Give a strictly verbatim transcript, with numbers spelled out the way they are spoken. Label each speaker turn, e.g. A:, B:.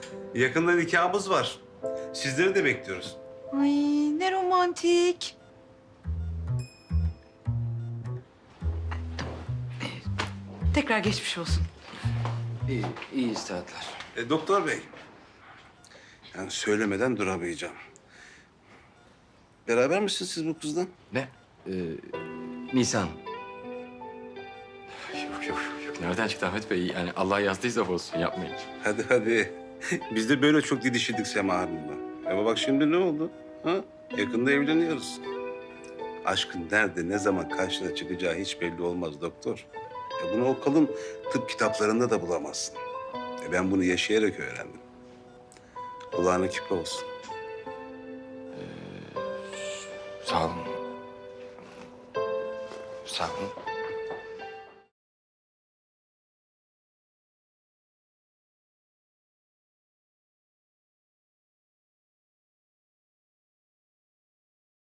A: Yakında nikahımız var. Sizleri de bekliyoruz.
B: Ay ne romantik. Ee, Tekrar geçmiş olsun.
C: İyi, iyi istirahatler.
A: E, doktor bey, yani söylemeden duramayacağım. Beraber misiniz siz bu kızla?
C: Ne? Ee, Nisan. Yok, yok, yok. Nereden çıktı Ahmet Bey? Yani Allah yazdıysa olsun, yapmayın.
A: Hadi hadi. Biz de böyle çok didişirdik Sema Hanım'la. Ama bak şimdi ne oldu? Ha? Yakında evleniyoruz. Aşkın nerede, ne zaman karşına çıkacağı hiç belli olmaz doktor. Ya bunu o kalın tıp kitaplarında da bulamazsın. E ben bunu yaşayarak öğrendim. Kulağına küpe olsun.
C: Sağ olun. Sağ olun.